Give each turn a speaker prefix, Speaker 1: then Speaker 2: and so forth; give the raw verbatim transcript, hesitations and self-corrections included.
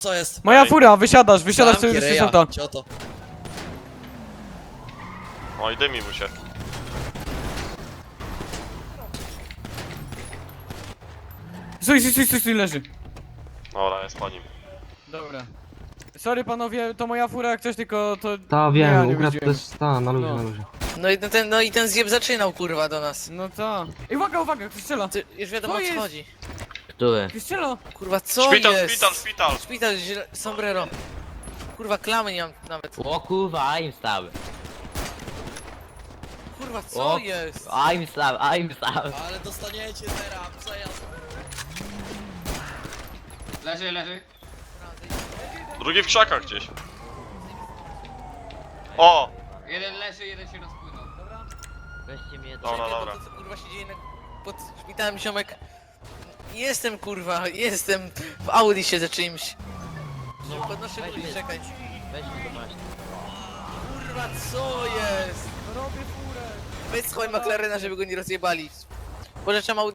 Speaker 1: Co jest?
Speaker 2: Moja
Speaker 3: Ej.
Speaker 2: fura, wysiadasz, wysiadasz
Speaker 1: Zamki
Speaker 2: sobie z
Speaker 1: ryja,
Speaker 2: auta.
Speaker 1: cioto.
Speaker 3: O i dymi mu się.
Speaker 2: Stój, stój, stój, stój, stój, leży.
Speaker 3: Dobra, jest po nim.
Speaker 2: Dobra. Sorry panowie, to moja fura jak coś, tylko to...
Speaker 4: Ta
Speaker 2: nie,
Speaker 4: wiem,
Speaker 2: ja nie
Speaker 4: ukradł
Speaker 2: jeździłem.
Speaker 4: też ta, na luzie,
Speaker 2: No.
Speaker 4: na luzie.
Speaker 5: No i ten, no i ten zjeb zaczynał kurwa do nas.
Speaker 2: No ta. Ej, uwaga, uwaga, ktoś strzela.
Speaker 5: Ty, już wiadomo
Speaker 2: Co
Speaker 5: o co
Speaker 2: jest?
Speaker 5: chodzi.
Speaker 6: Który?
Speaker 2: Ktoś strzela.
Speaker 5: Kurwa co
Speaker 3: Szpital,
Speaker 5: jest?
Speaker 3: szpital, szpital!
Speaker 5: Szpital, źle- sombrero. Kurwa klamy nie mam nawet.
Speaker 6: O kurwa, I'm stab.
Speaker 5: Kurwa co
Speaker 6: O,
Speaker 5: jest?
Speaker 6: I'm stab, I'm stab.
Speaker 1: Ale dostaniecie teraz, przejazd.
Speaker 7: Leży, leży.
Speaker 3: Drugi w krzakach gdzieś. O!
Speaker 7: Jeden leży, jeden się rozpłynął.
Speaker 6: Weźcie mnie do...
Speaker 3: Dobra,
Speaker 5: Czekaj,
Speaker 3: dobra.
Speaker 5: bo to, co kurwa się dzieje na, pod szpitalem ziomek. Jestem kurwa, jestem w Audi siedzę czymś.
Speaker 6: No,
Speaker 5: Podnoszę
Speaker 6: weź
Speaker 5: ludzi,
Speaker 6: mnie.
Speaker 5: czekaj.
Speaker 6: Weź mnie do maści.
Speaker 5: Kurwa co jest?
Speaker 2: Robię furę.
Speaker 5: Weź słuchaj McLarena, żeby go nie rozjebali. Pożyczam Audi.